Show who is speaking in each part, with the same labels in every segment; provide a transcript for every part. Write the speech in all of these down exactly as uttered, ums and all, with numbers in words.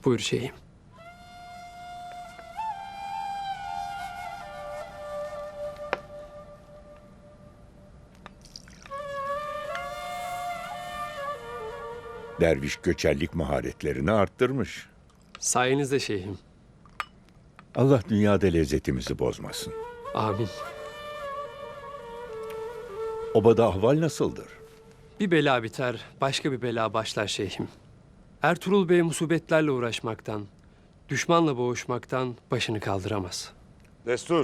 Speaker 1: Buyur şeyhim.
Speaker 2: Derviş göçerlik maharetlerini arttırmış.
Speaker 1: Sayenizde şeyhim.
Speaker 2: Allah dünyada lezzetimizi bozmasın.
Speaker 1: Amin.
Speaker 2: Obada ahval nasıldır?
Speaker 1: Bir bela biter, başka bir bela başlar şeyhim. Ertuğrul Bey musibetlerle uğraşmaktan, düşmanla boğuşmaktan başını kaldıramaz.
Speaker 3: Destur.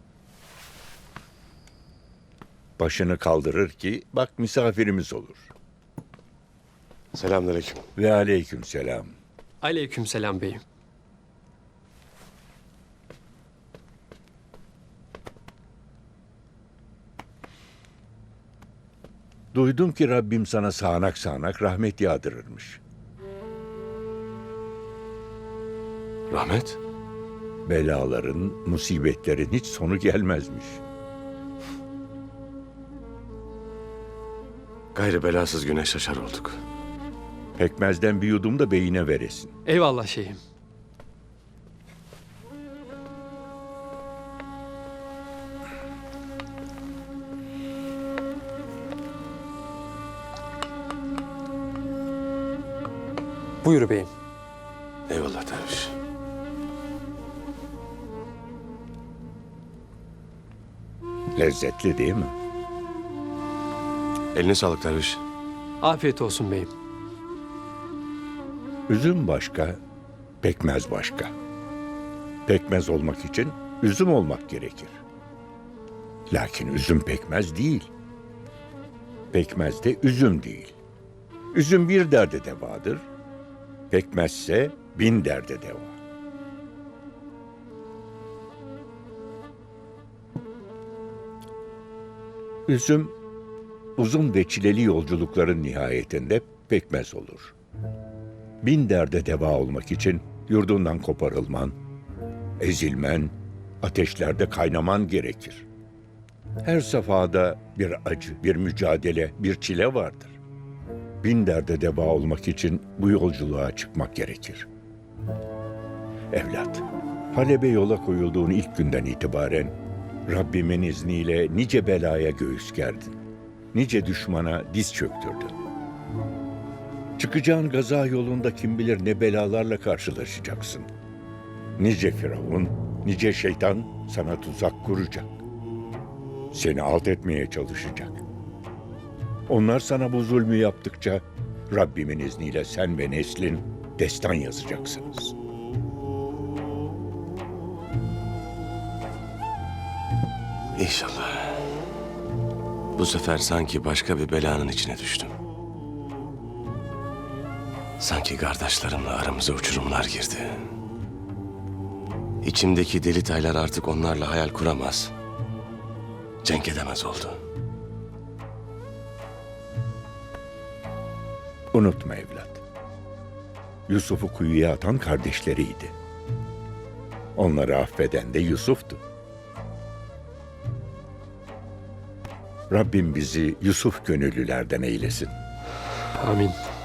Speaker 2: Başını kaldırır ki bak misafirimiz olur.
Speaker 3: Selamünaleyküm.
Speaker 2: Ve aleyküm selam.
Speaker 1: Aleykümselam beyim.
Speaker 2: Duydum ki Rabbim sana sağanak sağanak rahmet yağdırırmış.
Speaker 3: Rahmet.
Speaker 2: Belaların, musibetlerin hiç sonu gelmezmiş.
Speaker 3: Gayrı belasız güneş şaşar olduk.
Speaker 2: Pekmezden bir yudum da beyine veresin.
Speaker 1: Eyvallah şeyhim. Buyur beyim.
Speaker 3: Eyvallah derviş.
Speaker 2: Lezzetli değil mi?
Speaker 3: Eline sağlık derviş.
Speaker 1: Afiyet olsun beyim.
Speaker 2: Üzüm başka, pekmez başka. Pekmez olmak için üzüm olmak gerekir. Lakin üzüm pekmez değil. Pekmez de üzüm değil. Üzüm bir derde devadır. Pekmezse bin derde deva. Üzüm uzun ve çileli yolculukların nihayetinde pekmez olur. Bin derde deva olmak için yurdundan koparılman, ezilmen, ateşlerde kaynaman gerekir. Her safhada bir acı, bir mücadele, bir çile vardır. Bin derde deva olmak için bu yolculuğa çıkmak gerekir. Evlat, Halep'e yola koyulduğun ilk günden itibaren Rabbimin izniyle nice belaya göğüs gerdin. Nice düşmana diz çöktürdün. Çıkacağın gaza yolunda kim bilir ne belalarla karşılaşacaksın. Nice firavun, nice şeytan sana tuzak kuracak. Seni alt etmeye çalışacak. Onlar sana bu zulmü yaptıkça Rabbimin izniyle sen ve neslin destan yazacaksınız.
Speaker 3: İnşallah. Bu sefer sanki başka bir belanın içine düştüm. Sanki kardeşlerimle aramıza uçurumlar girdi. İçimdeki deli taylar artık onlarla hayal kuramaz. Cenk edemez oldu.
Speaker 2: Unutma evlat. Yusuf'u kuyuya atan kardeşleriydi. Onları affeden de Yusuf'tu. Rabbim bizi Yusuf gönüllülerden eylesin.
Speaker 1: Amin.